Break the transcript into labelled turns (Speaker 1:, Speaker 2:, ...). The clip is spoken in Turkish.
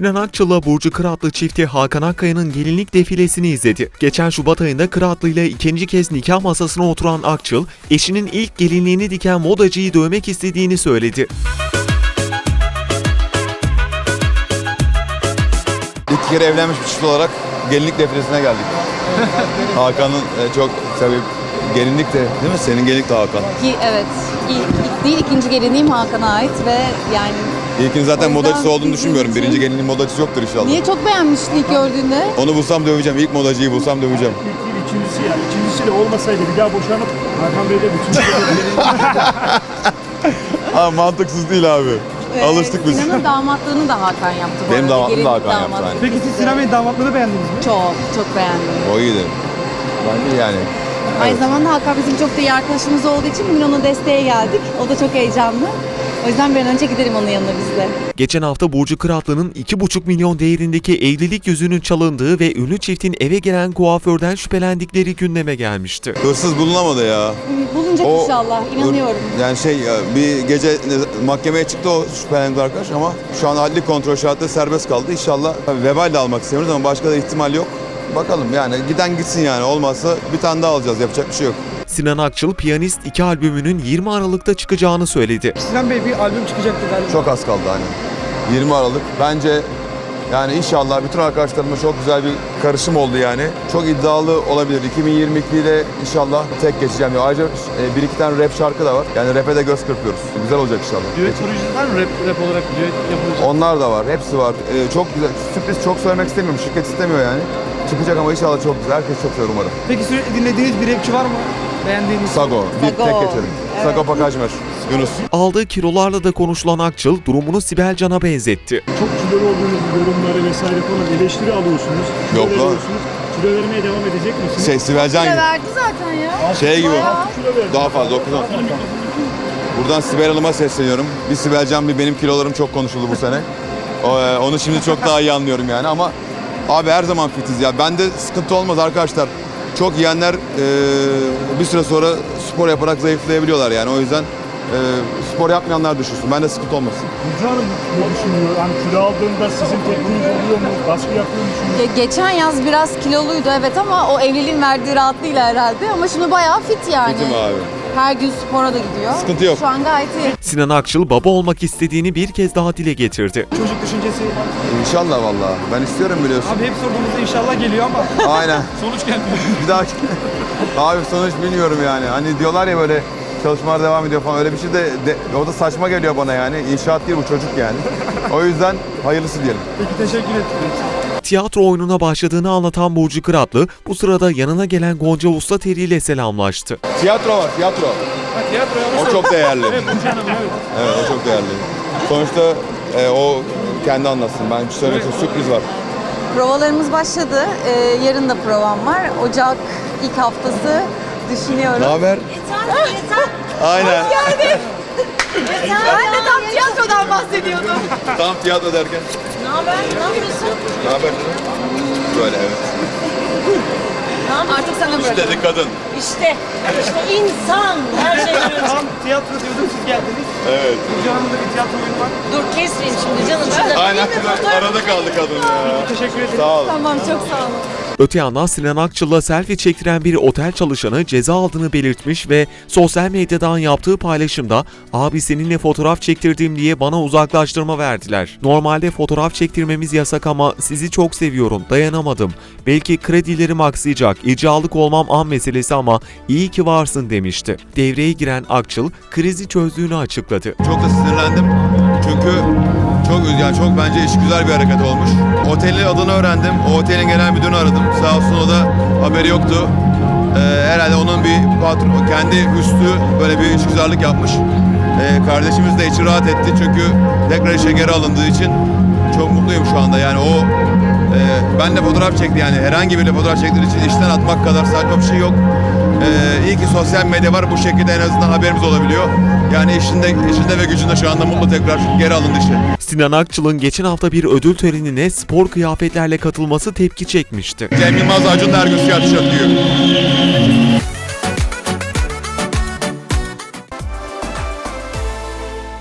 Speaker 1: Sinan Akçıl'la Burcu Kıratlı çifti Hakan Akkaya'nın gelinlik defilesini izledi. Geçen Şubat ayında Kıratlı ile ikinci kez nikah masasına oturan Akçıl, eşinin ilk gelinliğini diken modacıyı dövmek istediğini söyledi.
Speaker 2: İlk kere evlenmiş bir çift olarak gelinlik defilesine geldik. Hakan'ın çok tabii gelinlik de değil mi? Senin gelinlik de Hakan.
Speaker 3: Evet. İlk değil, ikinci gelinliğim Hakan'a ait ve yani...
Speaker 2: İlkinin zaten
Speaker 3: O yüzden
Speaker 2: modacısı olduğunu
Speaker 3: bizim
Speaker 2: düşünmüyorum.
Speaker 3: için-
Speaker 2: Birinci gelinin modacısı yoktur inşallah.
Speaker 3: Niye çok beğenmiştin ilk gördüğünde?
Speaker 2: Onu bulsam döveceğim. İlk modacıyı bulsam döveceğim.
Speaker 4: İlk değil, ikincisi yani. İkincisiyle olmasaydı bir daha boşanıp Hakan Bey de bütün
Speaker 2: Abi mantıksız değil abi. Alıştık biz.
Speaker 3: Sinan'ın damatlığını da Hakan yaptı bu
Speaker 2: Benim
Speaker 3: arada.
Speaker 2: damatlığımı da
Speaker 3: Gelinlik
Speaker 2: Hakan yaptı,
Speaker 3: damatlığı.
Speaker 2: aynen.
Speaker 4: Peki siz Sinan Bey'in damatlığını beğendiniz mi?
Speaker 3: Çok beğendim.
Speaker 2: O iyiydi. Ben de yani.
Speaker 3: Aynı
Speaker 2: Evet.
Speaker 3: zamanda Hakan bizim çok da iyi arkadaşımız olduğu için bugün ona desteğe geldik. O da çok heyecanlı. O yüzden bir an önce gidelim onun yanına biz de.
Speaker 1: Geçen hafta Burcu Kıratlı'nın 2,5 milyon değerindeki evlilik yüzüğünün çalındığı ve ünlü çiftin eve gelen kuaförden şüphelendikleri gündeme gelmişti.
Speaker 2: Hırsız bulunamadı ya.
Speaker 3: Bulunacak
Speaker 2: O-
Speaker 3: inşallah, inanıyorum.
Speaker 2: Yani bir gece mahkemeye çıktı o şüphelendi arkadaş ama şu an adli kontrol şartları serbest kaldı. İnşallah vebal de almak istemiyoruz ama başka da ihtimal yok. Bakalım yani giden gitsin yani olmazsa bir tane daha alacağız, yapacak bir şey yok.
Speaker 1: Sinan Akçıl, Piyanist 2 albümünün 20 Aralık'ta çıkacağını söyledi.
Speaker 4: Sinan Bey bir albüm çıkacaktı galiba.
Speaker 2: Çok az kaldı hani. 20 Aralık. Bence yani inşallah bütün arkadaşlarımla çok güzel bir karışım oldu yani. Çok iddialı olabilir. 2022 ile inşallah tek geçeceğim. Ayrıca bir iki tane rap şarkı da var. Yani rap'e de göz kırpıyoruz. Güzel olacak inşallah.
Speaker 4: Düet projesi var mı rap olarak düet yapılacak?
Speaker 2: Onlar da var. Hepsi var. Çok güzel. Sürpriz çok söylemek istemiyorum. Şirket istemiyor yani. Çıkacak ama inşallah çok güzel. Herkes çok sever umarım.
Speaker 4: Peki sürekli dinlediğiniz bir rapçi var mı? Beğendiğiniz?
Speaker 2: Sago. Bir
Speaker 3: Sago.
Speaker 2: tek geçelim.
Speaker 3: Evet.
Speaker 2: Sago Pakajmer. Yunus.
Speaker 1: Aldığı kilolarla da konuşulan Akçıl, durumunu Sibel Can'a benzetti.
Speaker 4: Çok kilolu olduğunuz yorumları vesaire falan eleştiri alıyorsunuz.
Speaker 2: Yok lan.
Speaker 4: veriyorsunuz. Kilo vermeye devam edecek misiniz?
Speaker 2: Sibelcan gibi.
Speaker 3: Verdi zaten ya.
Speaker 2: Şey gibi.
Speaker 3: Bayağı.
Speaker 4: Kilo verdim.
Speaker 2: Daha fazla okudan. Buradan Sibel Hanım'a sesleniyorum. Bir Sibelcan bir benim kilolarım çok konuşuldu bu sene. Onu şimdi çok daha iyi anlıyorum yani ama abi her zaman fitiz ya. Bende sıkıntı olmaz arkadaşlar. Çok yiyenler bir süre sonra spor yaparak zayıflayabiliyorlar yani. O yüzden spor yapmayanlar düşünsün. Bende sıkıntı olmasın.
Speaker 4: Burcu Hanım ne düşünüyor? Hani kilo aldığında sizin tepkiniz oluyor mu? Baskı yapıyor musunuz?
Speaker 3: Geçen yaz biraz kiloluydu evet ama o evliliğin verdiği rahatlığıyla herhalde. Ama şimdi bayağı fit yani.
Speaker 2: Fitim abi.
Speaker 3: Her gün spora da gidiyor.
Speaker 2: Sıkıntı yok.
Speaker 3: Şu an gayet iyi.
Speaker 1: Sinan Akçıl, baba olmak istediğini bir kez daha dile getirdi.
Speaker 4: Çocuk düşüncesi.
Speaker 2: İnşallah vallahi. Ben istiyorum biliyorsun.
Speaker 4: Abi hep sorduğumuzda inşallah geliyor ama
Speaker 2: Aynen.
Speaker 4: sonuç gelmiyor.
Speaker 2: Bir daha abi sonuç bilmiyorum yani. Hani diyorlar ya böyle çalışmalar devam ediyor falan öyle bir şey de o da saçma geliyor bana yani. İnşaat değil bu çocuk yani. O yüzden hayırlısı diyelim.
Speaker 4: Peki teşekkür ederim.
Speaker 1: Tiyatro oyununa başladığını anlatan Burcu Kıratlı, bu sırada yanına gelen Gonca Ustateri ile selamlaştı.
Speaker 2: Tiyatro var, tiyatro.
Speaker 4: Ha, tiyatroya
Speaker 2: O çok değerli.
Speaker 4: Evet Burcu Hanım evet.
Speaker 2: Evet, o çok değerli. Sonuçta o kendi anlatsın. Ben bir söylemek istiyorum, sürpriz var.
Speaker 3: Provalarımız başladı. Yarın da provam var. Ocak ilk haftası düşünüyorum.
Speaker 2: Ne haber? Aynen.
Speaker 3: Ben de tam tiyatrodan bahsediyordum.
Speaker 2: Tam tiyatro derken.
Speaker 5: Ne haber? Ne yapıyorsun?
Speaker 2: Ne haber? Böyle evet.
Speaker 3: Artık sana bırakıyorum.
Speaker 2: Dedi kadın.
Speaker 5: İşte insan her şeyden önce.
Speaker 4: Tam tiyatro diyordum siz geldiniz.
Speaker 2: Evet.
Speaker 4: Burcu Hanım'da bir tiyatro oyunu var.
Speaker 5: Dur kesmeyin şimdi canım. Şurada
Speaker 2: Aynen.
Speaker 5: bir fotoğraf-
Speaker 2: Arada kaldı kadın ya.
Speaker 4: Teşekkür ederim.
Speaker 2: Sağ ol.
Speaker 3: Tamam çok sağ olun.
Speaker 1: Öte yandan Sinan Akçıl'la selfie çektiren bir otel çalışanı ceza aldığını belirtmiş ve sosyal medyadan yaptığı paylaşımda "Abi seninle fotoğraf çektirdim diye bana uzaklaştırma verdiler. Normalde fotoğraf çektirmemiz yasak ama sizi çok seviyorum, dayanamadım. Belki kredilerim aksayacak, icralık olmam an meselesi ama iyi ki varsın" demişti. Devreye giren Akçıl krizi çözdüğünü açıkladı.
Speaker 2: Çok da sinirlendim. Çünkü çok bence iş güzel bir hareket olmuş. Otelin adını öğrendim. O otelin genel müdürünü aradım. Sağ olsun o da haberi yoktu. Herhalde onun bir patron, kendi üstü böyle bir işgüzarlık yapmış. Kardeşimiz de içi rahat etti çünkü tekrar işe geri alındığı için çok mutluyum şu anda. Yani o benle fotoğraf çekti yani herhangi biriyle fotoğraf çektiği için işten atmak kadar saçma bir şey yok. İyi ki sosyal medya var bu şekilde en azından haberimiz olabiliyor. Yani işinde ve gücünde şu anda mutlu tekrar geri alındı işe.
Speaker 1: Sinan Akçıl'ın geçen hafta bir ödül törenine spor kıyafetlerle katılması tepki çekmişti.
Speaker 2: Cem Yılmaz Acun Ergün siyah tişört giyiyor.